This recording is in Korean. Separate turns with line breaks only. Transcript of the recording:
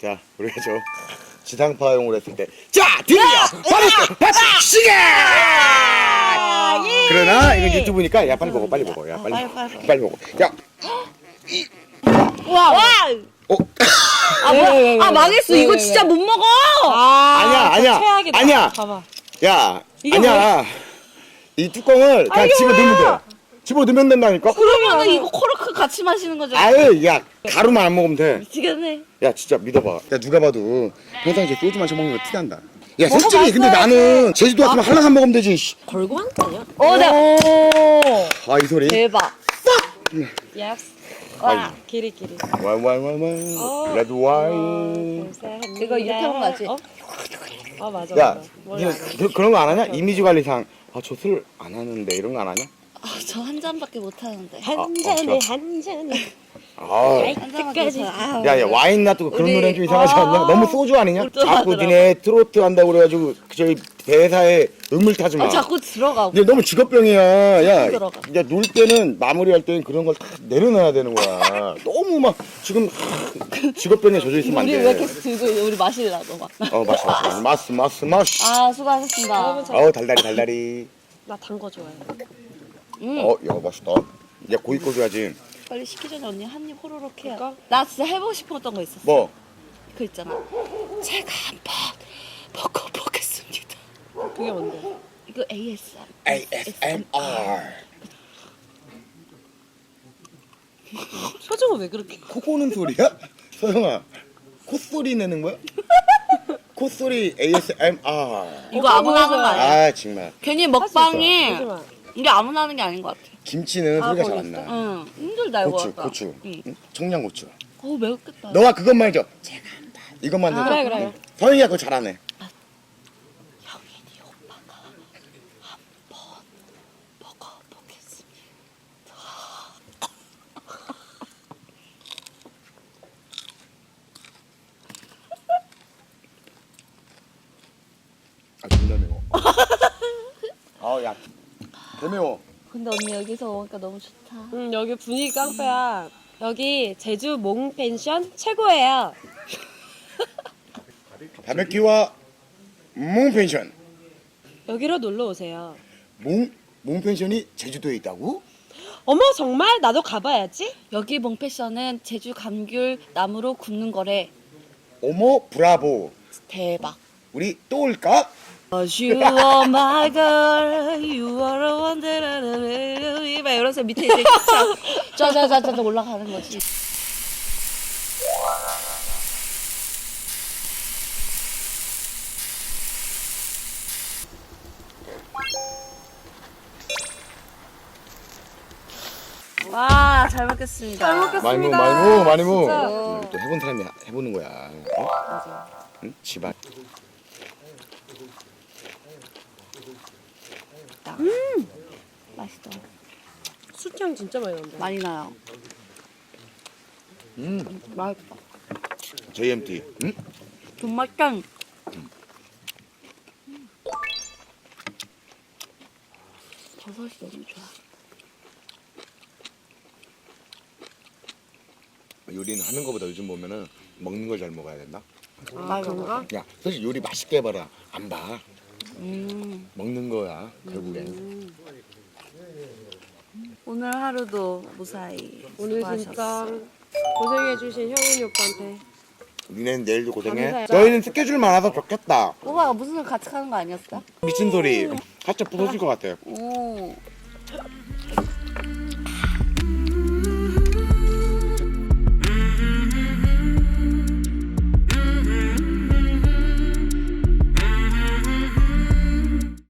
자, 우리가 저 지상파용을 했을 때, 자, 드디어 바로 파티 시계! 그러나 이건 유튜브니까 야 빨리 먹어, 빨리 먹어, 야 빨리 빨리 먹어. 야,
와.
어,
아 뭐야? 아 망했어. 이거 진짜 못 먹어.
아니야,
최악이다.
아니야.
봐봐.
야, 아니야. 이 뚜껑을 그냥 집어 넣으면 돼. 집어 넣으면 된다니까.
그러면은 이거 코르크 같이 마시는 거죠?
아유, 야, 가루만 안 먹으면 돼.
미치겠네.
야, 진짜 믿어봐. 야, 누가 봐도 평상시에 소주 마셔 먹는 거 티난다. 야, 솔직히 근데 나는 제주도 왔으면 한라산 먹으면 되지. 씨.
걸고 한 거 아니야?
네.
아, 이 소리.
대박.
예스.
와.
기리기리.
와인, 레드 와인.
이거 이렇게 하는 거 알지?
어? 아 맞아.
야,
맞아.
니가 그런 거 안 하냐? 이미지 관리상. 아, 저 술 안 하는데 이런 거 안 하냐?
아, 저 한 잔밖에 못 하는데.
한 잔에 한 잔에.
아,
한 잔밖에 못 하는데.
야, 와인 놔두고 그런
우리-
노래는 좀 이상하지 않냐? 너무 소주 아니냐?
또
자꾸
하더라고.
니네 트로트 한다고 그래가지고 저희 대사에 음을 타지 마.
자꾸 들어가고.
근데 너무 직업병이야. 야,
들어가.
야, 놀 때는 마무리할 때는 그런 걸 다 내려놔야 되는 거야. 너무 막 지금 직업병에 젖어 있으면 안
우리
돼.
왜 계속 들고 우리 마시려고 막.
마스.
아 수고하셨습니다.
어우, 달달이.
나 단 거 좋아해.
야, 맛있다. 야, 고기 꺼줘야지.
빨리 시키 전에 언니 한 입 호로록 해야.
그럴까?
나 진짜 해보고 싶었던 거 있었어.
뭐?
그 있잖아. 제가 한번 먹어보겠습니다.
그게 뭔데?
이거 ASMR.
ASMR.
표정은 왜 그렇게?
코 고는 소리야? 서영아, 콧소리 내는 거야? 콧소리 ASMR.
이거 아무나 하는 거 아니야?
아, 정말.
괜히 먹방이
하지 마.
이게 아무나 하는 게 아닌 것 같아.
김치는
아,
소리가 잘
거기
안
있어?
나.
응, 힘들다 이거.
고추,
아까.
고추.
응.
응? 청양고추.
매웠겠다.
너가 그것만 해줘. 제가 한다. 이것만 해줘.
그래, 그래.
서영이가 그거 잘하네.
형인이 오빠가 한번 먹어보겠습니다.
아, 존나 매워. 아우, 야. 개 매워.
근데 언니 여기서 먹으니까 너무 좋다.
여기 분위기 깡패야. 여기 제주 몽펜션 최고예요.
바베큐와 몽펜션.
여기로 놀러 오세요.
몽펜션이 제주도에 있다고?
어머 정말 나도 가봐야지.
여기 몽패션은 제주 감귤 나무로 굽는 거래.
어머, 브라보.
대박.
우리 또 올까?
You are my girl, you are a wonder, 막 이러면서 밑에 이제 쫙쫙쫙쫙 올라가는 거지. 와, 잘 먹겠습니다.
잘 먹겠습니다.
많이 무.
진짜.
또 해본 사람이 해보는 거야. 어?
맞아.
응? 집안.
맛있다.
술향 진짜 많이 난다.
많이 나요. 맛있다.
JMT. 응?
존맛짱. 버섯이 너무 좋아.
요리는 하는 거보다 요즘 보면은 먹는 걸 잘 먹어야 된다.
아 그런가?
야, 사실 요리 맛있게 해봐라. 안 봐.
음.
먹는 거야, 결국엔.
오늘 하루도 무사히
오늘
수고하셨어.
진짜 고생해주신 형훈이 오빠한테
니네는 내일도 고생해.
감사해요.
너희는 스케줄 많아서 좋겠다.
오빠가 무슨 일 같이 가는 거 아니었어?
미친 소리. 살짝 부서질 것 같아.
오.